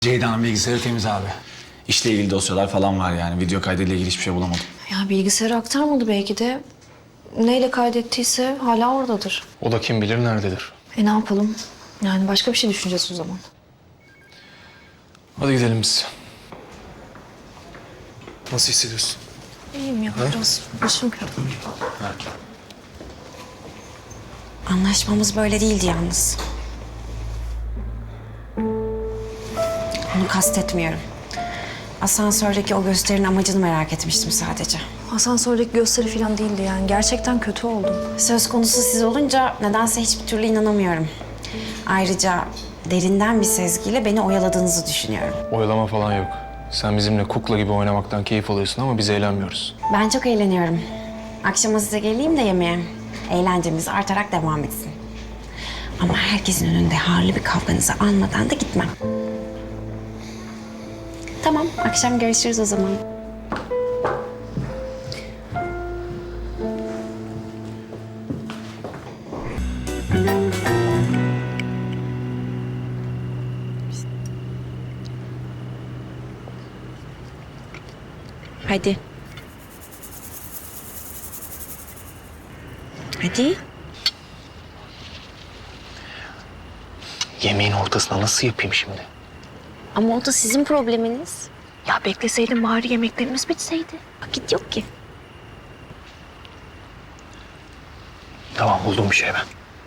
Ceyda'nın bilgisayarı temiz abi. İşle ilgili dosyalar falan var yani. Video kaydıyla ilgili hiçbir şey bulamadım. Ya bilgisayarı aktarmadı belki de. Neyle kaydettiyse hala oradadır. O da kim bilir nerededir. Ne yapalım? Yani başka bir şey düşüneceğiz o zaman. Hadi gidelim biz. Nasıl hissediyorsun? İyiyim ya biraz başım kırıldı. Anlaşmamız böyle değildi yalnız. Onu kastetmiyorum. Asansördeki o gösterinin amacını merak etmiştim sadece. Asansördeki gösteri falan değildi yani. Gerçekten kötü oldum. Söz konusu siz olunca nedense hiçbir türlü inanamıyorum. Ayrıca derinden bir sezgiyle beni oyaladığınızı düşünüyorum. Oyalama falan yok. Sen bizimle kukla gibi oynamaktan keyif alıyorsun ama biz eğlenmiyoruz. Ben çok eğleniyorum. Akşama size geleyim de yemeğe. Eğlencemiz artarak devam etsin. Ama herkesin önünde harlı bir kavganızı almadan da gitmem. Tamam, akşam görüşürüz o zaman. Hadi. Hadi. Yemeğin ortasına nasıl yapayım şimdi? Ama o da sizin probleminiz. Ya bekleseydin bari yemeklerimiz bitseydi. Vakit yok ki. Tamam buldum bir şey ben.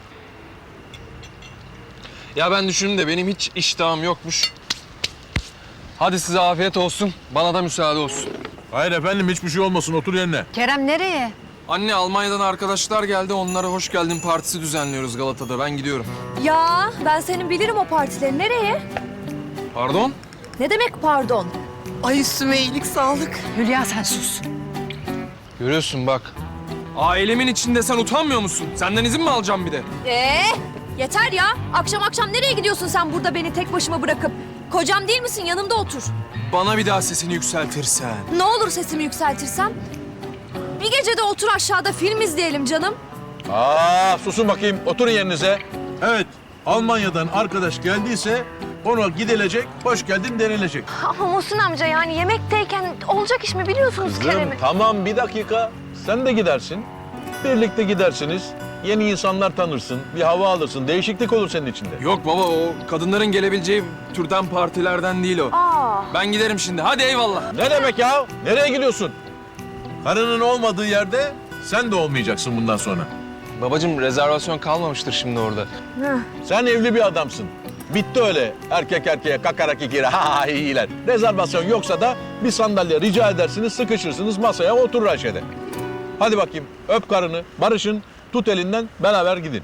Ya ben düşündüm de benim hiç iştahım yokmuş. Hadi size afiyet olsun. Bana da müsaade olsun. Hayır efendim hiçbir şey olmasın otur yerine. Kerem nereye? Anne Almanya'dan arkadaşlar geldi. Onlara hoş geldin partisi düzenliyoruz Galata'da. Ben gidiyorum. Ya ben senin bilirim o partileri. Nereye? Pardon? Ne demek pardon? Ay üstüme iyilik sağlık. Hülya sen sus. Görüyorsun bak. Ailemin içinde sen utanmıyor musun? Senden izin mi alacağım bir de? Yeter ya. Akşam akşam nereye gidiyorsun sen burada beni tek başıma bırakıp? Kocam değil misin? Yanımda otur. Bana bir daha sesini yükseltirsen. Ne olur sesimi yükseltirsem? Bir gece de otur aşağıda film izleyelim canım. Susun bakayım oturun yerinize. Evet Almanya'dan arkadaş geldiyse ona gidilecek, hoş geldin denilecek. Ama Muhsin amca yani yemekteyken olacak iş mi biliyorsunuz Kerem'i? Tamam bir dakika sen de gidersin. Birlikte gidersiniz. Yeni insanlar tanırsın, bir hava alırsın, değişiklik olur senin içinde. Yok baba o kadınların gelebileceği türden partilerden değil o. Ben giderim şimdi. Hadi eyvallah. Ne demek ya? Nereye gidiyorsun? Karının olmadığı yerde sen de olmayacaksın bundan sonra. Babacığım rezervasyon kalmamıştır şimdi orada. Sen evli bir adamsın. Bitti öyle erkek erkeğe kakarak ikili ha ha iyiler. Rezervasyon yoksa da bir sandalye rica edersiniz, sıkışırsınız masaya oturur Ayşe'de. Hadi bakayım öp karını, barışın, tut elinden beraber gidin.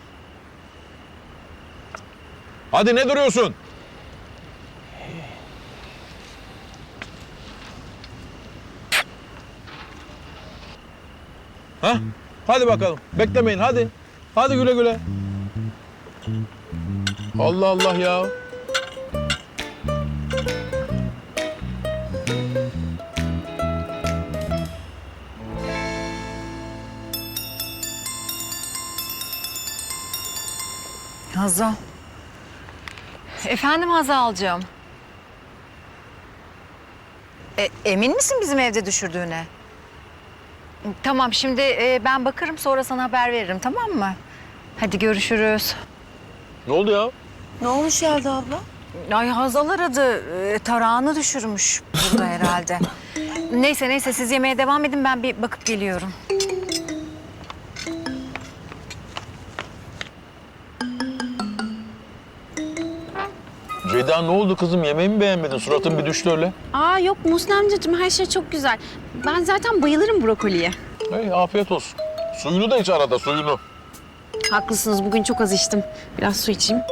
Hadi ne duruyorsun? Ha? Hadi bakalım. Beklemeyin hadi. Hadi güle güle. Allah Allah ya. Hazal. Efendim Hazal'cığım. Emin misin bizim evde düşürdüğüne? Tamam şimdi ben bakarım sonra sana haber veririm tamam mı? Hadi görüşürüz. Ne oldu ya? Ne olmuş Yelda abla? Ay Hazal aradı. Tarağını düşürmüş burada herhalde. Neyse siz yemeğe devam edin ben bir bakıp geliyorum. Ceyda ne oldu kızım? Yemeği mi beğenmedin? Suratın bir düştü öyle. Aa yok Muhsin amcacığım her şey çok güzel. Ben zaten bayılırım brokoliye. Hey, afiyet olsun. Suyunu da iç arada, suyunu. Haklısınız bugün çok az içtim. Biraz su içeyim.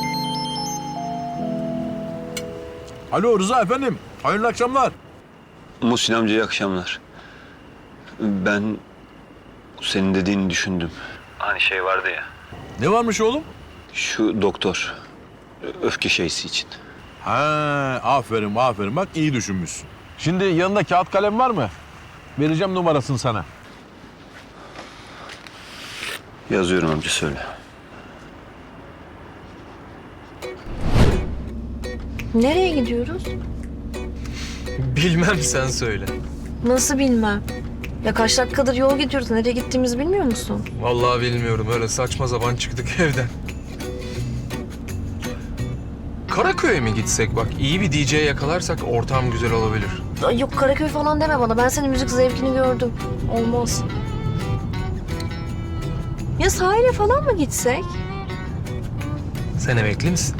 Alo Rıza efendim. Hayırlı akşamlar. Muhsin amca iyi akşamlar. Ben senin dediğini düşündüm. Hani şey vardı ya. Ne varmış oğlum? Şu doktor. Öfke şeysi için. Ha, aferin aferin. Bak iyi düşünmüşsün. Şimdi yanında kağıt kalem var mı? Vereceğim numarasını sana. Yazıyorum amca söyle. Nereye gidiyoruz? Bilmem sen söyle. Nasıl bilmem. Ya kaç dakikadır yol gidiyoruz. Nereye gittiğimizi bilmiyor musun? Vallahi bilmiyorum. Öyle saçma sapan çıktık evden. Karaköy'e mi gitsek bak? İyi bir DJ yakalarsak ortam güzel olabilir. Ay yok Karaköy falan deme bana. Ben senin müzik zevkini gördüm. Olmaz. Ya sahile falan mı gitsek? Sen emekli misin?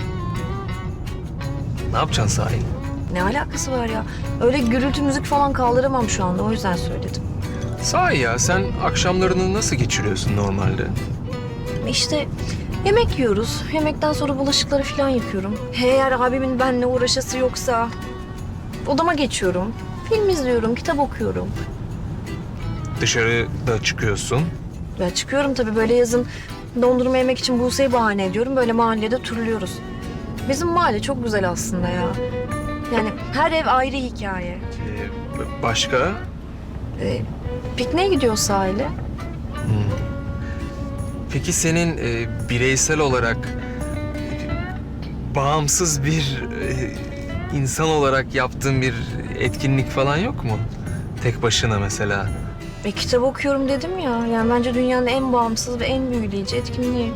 Ne yapacaksın sahil? Ne alakası var ya? Öyle gürültü müzik falan kaldıramam şu anda. O yüzden söyledim. Sahi ya sen akşamlarını nasıl geçiriyorsun normalde? İşte yemek yiyoruz. Yemekten sonra bulaşıkları falan yıkıyorum. Eğer abimin benimle uğraşası yoksa odama geçiyorum. Film izliyorum, kitap okuyorum. Dışarıda çıkıyorsun. Ya çıkıyorum tabii böyle yazın dondurma yemek için Buse'yi bahane ediyorum. Böyle mahallede turluyoruz. Bizim mahalle çok güzel aslında ya. Yani her ev ayrı hikaye. Başka? Pikniğe gidiyoruz sahile. Peki senin bireysel olarak bağımsız bir insan olarak yaptığın bir etkinlik falan yok mu? Tek başına mesela. Kitap okuyorum dedim ya. Yani bence dünyanın en bağımsız ve en büyüleyici etkinliği.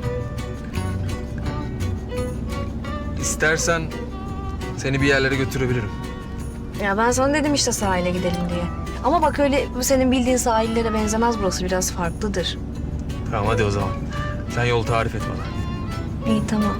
İstersen seni bir yerlere götürebilirim. Ya ben sana dedim işte sahile gidelim diye. Ama bak öyle senin bildiğin sahillere benzemez burası. Biraz farklıdır. Tamam hadi o zaman. Sen yol tarif et bana. İyi tamam.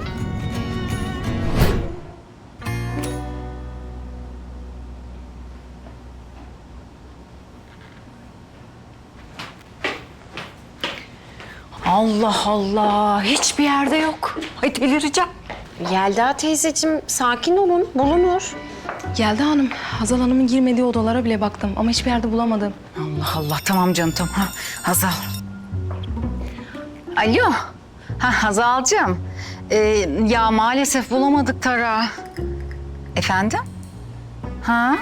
Allah Allah. Hiçbir yerde yok. Ay delireceğim. Yelda teyzeciğim sakin olun, bulunur. Yelda Hanım, Hazal Hanım'ın girmediği odalara bile baktım ama hiçbir yerde bulamadım. Allah Allah. Tamam canım tamam. Ha, Hazal. Alo. Ha Hazal'cığım. Ya maalesef bulamadık Tara. Efendim? Ha?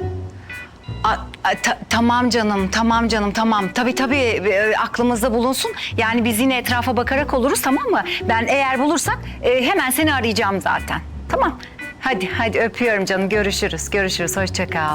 Tamam canım, tamam canım, tamam. Tabii aklımızda bulunsun. Yani biz yine etrafa bakarak oluruz, tamam mı? Ben eğer bulursak hemen seni arayacağım zaten. Tamam. Hadi öpüyorum canım. Görüşürüz. Hoşça kal.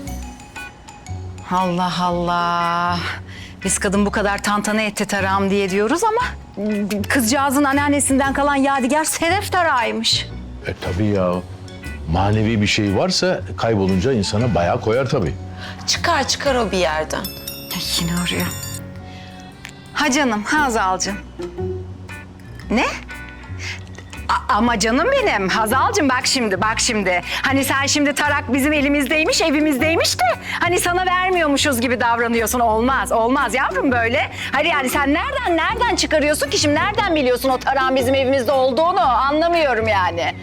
Allah Allah. Biz kadın bu kadar tantana etti tarağım diye diyoruz ama kızcağızın anneannesinden kalan yadigar sedef tarağıymış. Tabii ya. Manevi bir şey varsa kaybolunca insana bayağı koyar tabii. Çıkar o bir yerden. Ay, yine arıyor. Ha canım, Hazal'cığım. Ne? Ama canım benim, Hazal'cığım bak şimdi. Hani sen şimdi tarak bizim elimizdeymiş, evimizdeymiş de... ...hani sana vermiyormuşuz gibi davranıyorsun. Olmaz yavrum böyle. Hayır yani sen nereden çıkarıyorsun ki şimdi? Nereden biliyorsun o tarağın bizim evimizde olduğunu? Anlamıyorum yani.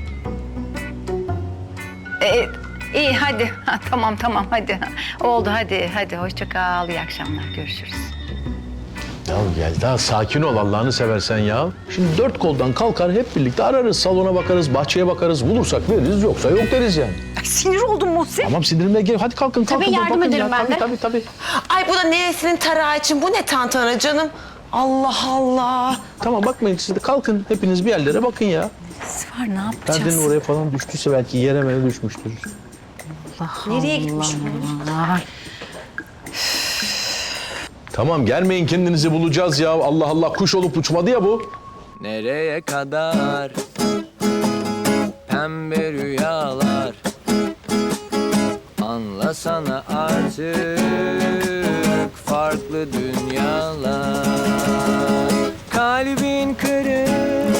İyi hadi. Ha, tamam hadi. Oldu hadi. Hoşça kal. İyi akşamlar. Görüşürüz. Ya Yelda sakin ol Allah'ını seversen ya. Şimdi dört koldan kalkar hep birlikte ararız. Salona bakarız, bahçeye bakarız. Bulursak veririz yoksa yok deriz yani. Ay, sinir oldum Muhsin. Tamam sinirime gel. Hadi kalkın. yardım bakın ederim ya. ben de. Tabii. Ay bu da neresinin tarağı için? Bu ne tantana canım? Allah Allah. Tamam bakmayın siz de kalkın. Hepiniz bir yerlere bakın ya. Var ne yapacağız? Perdenin oraya falan düştüyse belki yere mere düşmüştür. Nereye gitmiş bu? Tamam gelmeyin kendinizi bulacağız ya. Allah Allah kuş olup uçmadı ya bu. Nereye kadar pembe rüyalar, anlasana artık farklı dünyalar. Kalbin kırık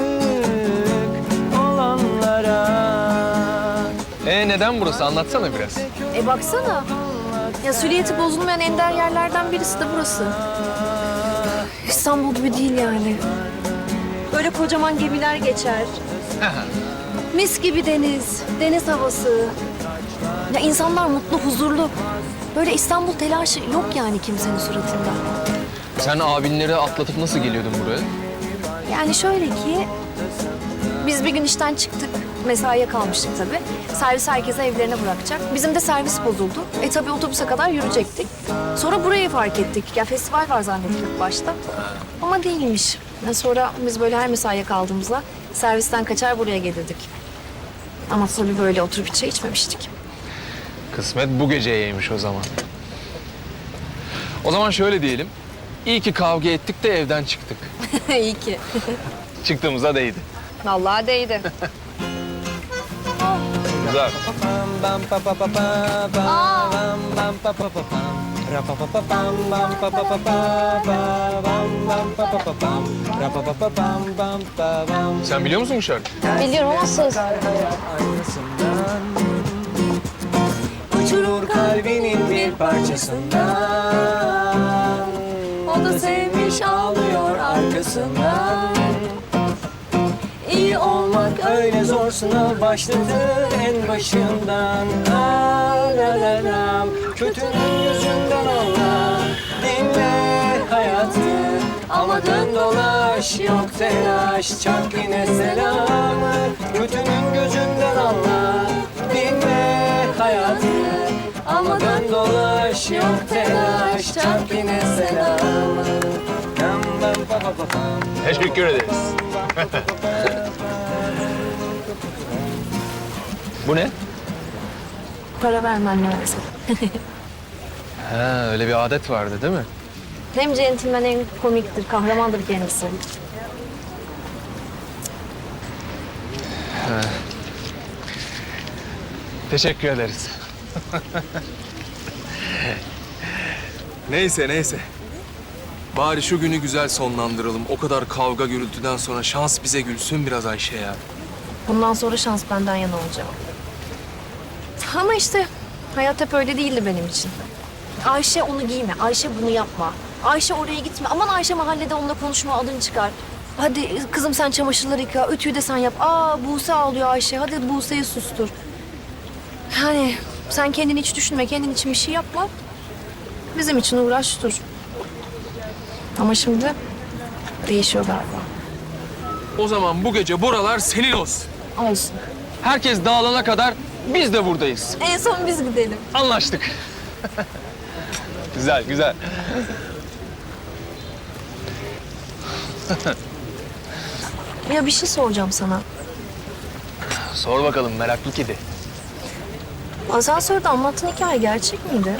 olanlara. Neden burası? Anlatsana biraz. Baksana. Ya süliyeti bozulmayan ender yerlerden birisi de burası. İstanbul gibi değil yani. Böyle kocaman gemiler geçer. Mis gibi deniz havası. Ya insanlar mutlu, huzurlu. Böyle İstanbul telaşı yok yani kimsenin suratında. Sen abinleri atlatıp nasıl geliyordun buraya? Yani şöyle ki biz bir gün işten çıktık. Mesaiye kalmıştık tabii. Servis herkese evlerine bırakacak. Bizim de servis bozuldu. Tabii otobüse kadar yürüyecektik. Sonra burayı fark ettik. Ya festival var zannettik ilk başta. Ama değilmiş. Sonra biz böyle her mesaiye kaldığımızda servisten kaçar buraya gelirdik. Ama tabii böyle oturup hiç çay içmemiştik. Kısmet bu geceyeymiş o zaman. O zaman şöyle diyelim. İyi ki kavga ettik de evden çıktık. İyi ki. Çıktığımıza değdi. Vallahi değdi. Güzel. Bam pa pa pa pa bam bam pa pa pa pam. Ra pa pa pa pam bam pa pa pa pa bam bam pa pa pa pam. Ra pa pa pa pam bam pa bam. Sen biliyor musun bu şarkıyı? Biliyorum ama söz. Aynasından uçurur kalbinin bir parçasından. O da sevmiş ağlıyor arkasından. İyi olmak öyle zor, sınav başladı en başından. Kötünün yüzünden anla, dinle hayatı. Ama dön dolaş, yok telaş, çak yine selamı. Kötünün gözünden anla, dinle hayatı. Ama dön dolaş, yok telaş, çak yine selamı. Teşekkür ederiz. Bu ne? Para vermen lazım. Ha, öyle bir adet vardı değil mi? Hem centilmen hem komiktir, kahramandır kendisi. Teşekkür ederiz. Neyse. Bari şu günü güzel sonlandıralım. O kadar kavga gürültüden sonra şans bize gülsün biraz Ayşe ya. Bundan sonra şans benden yana olacak. Ama işte hayat hep öyle değildi benim için. Ayşe onu giyme, Ayşe bunu yapma. Ayşe oraya gitme. Aman Ayşe mahallede onunla konuşma, adını çıkar. Hadi kızım sen çamaşırları yıka, ütüyü de sen yap. Buse ağlıyor Ayşe, hadi Buse'yi sustur. Yani sen kendini hiç düşünme, kendin için bir şey yapma. Bizim için uğraş dur. Ama şimdi değişiyor galiba. O zaman bu gece buralar senin olsun. Olsun. Herkes dağılana kadar biz de buradayız. En son biz gidelim. Anlaştık. Güzel. Ya bir şey soracağım sana. Sor bakalım meraklı kedi. Asansörde anlattığın hikaye gerçek miydi?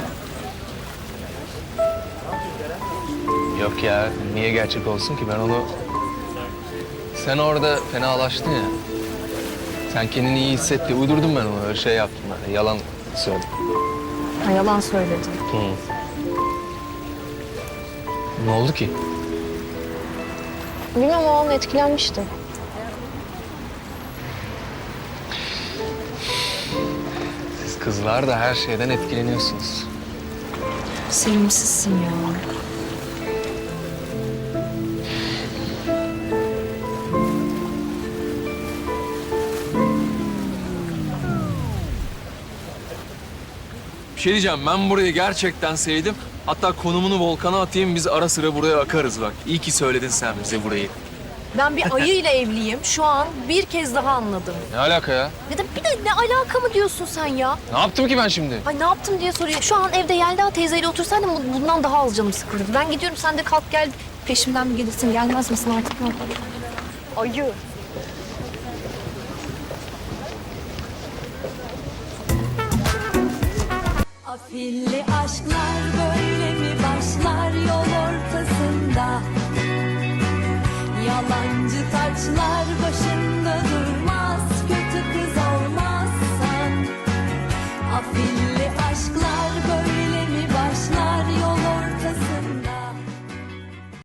Yok ya, niye gerçek olsun ki? Ben onu... Sen orada fenalaştın ya. Sen kendini iyi hissetti. Uydurdum ben onu. Öyle şey yaptım ben. Yalan söyledim. Ha, yalan söyledin. Ne oldu ki? Bilmem, o an etkilenmişti. Siz kızlar da her şeyden etkileniyorsunuz. Sevimsizsin ya. Bir şey diyeceğim, ben burayı gerçekten sevdim. Hatta konumunu Volkan'a atayım, biz ara sıra buraya akarız bak. İyi ki söyledin sen bize burayı. Ben bir ayıyla evliyim. Şu an bir kez daha anladım. Ne alaka ya? Ya da bir de ne alaka mı diyorsun sen ya? Ne yaptım ki ben şimdi? Ay ne yaptım diye soruyor. Şu an evde Yelda teyzeyle otursaydım bundan daha az canım sıkılırdı. Ben gidiyorum, sen de kalk gel. Peşimden mi gelirsin, gelmez misin artık? Ne yapalım? Ayı. Afilli aşklar böyle mi başlar yol ortasında? Yalancı taçlar